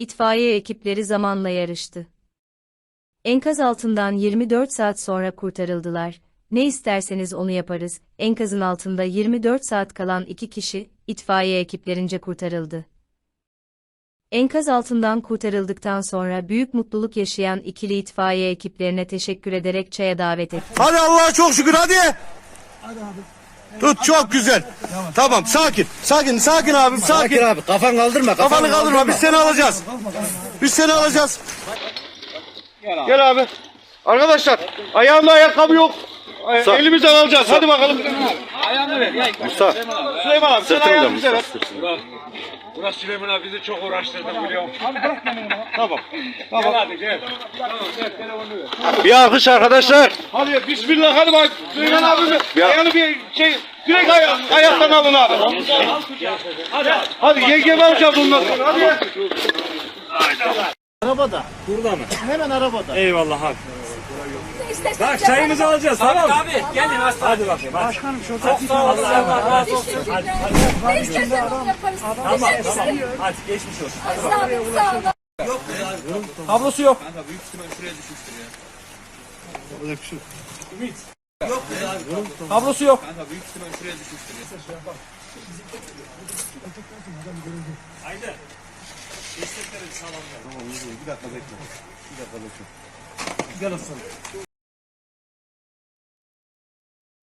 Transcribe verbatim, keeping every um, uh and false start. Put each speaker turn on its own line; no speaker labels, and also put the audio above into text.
itfaiye ekipleri zamanla yarıştı. Enkaz altından yirmi dört saat sonra kurtarıldılar. Ne isterseniz onu yaparız. Enkazın altında yirmi dört saat kalan iki kişi, itfaiye ekiplerince kurtarıldı. Enkaz altından kurtarıldıktan sonra büyük mutluluk yaşayan ikili itfaiye ekiplerine teşekkür ederek çaya davet etti.
Hadi Allah'a çok şükür hadi. Tut çok güzel. Tamam sakin. Sakin sakin abim sakin.
Sakin abi kafan kaldırma.
Kafanı kaldırma biz seni alacağız. Biz seni alacağız. Gel abi. Arkadaşlar ayağımda ayakkabı yok. Ay, elimizden alacağız. Hadi bakalım.
Ayağını ver.
Musa. Süleyman abi sen ayağını bize ver.
Burası Süleyman abi bizi çok uğraştırdı biliyorum.
Tamam.
Gel hadi gel. Tamam gel telefonu ver.
Bir alkış arkadaşlar. Hadi bismillah hadi bak. Süleyman abi ayağını bir şey direkt ay ayaktan alın abi.
Hadi hadi.
Hadi yengemi alacağız ondan sonra. Hadi.
Arabada.
Burada mı?
Hemen arabada.
Eyvallah abi. Bak çayımızı alacağız tamam mı? Abi gelin hasta. Hadi bakayım. Hadi.
Başkanım şurada.
Çok sağ olun. Allah razı olsun. Hadi hadi.
Ne istersen onu yaparız.
Tamam
Teşekkür
tamam.
ederim.
Hadi geçmiş olsun. Hadi
Sağ olun, sağ olun.
Kablosu yok. Kablosu yok. Haydi.
Bir dakika bekle. Bir dakika bekle. Gel aslanım.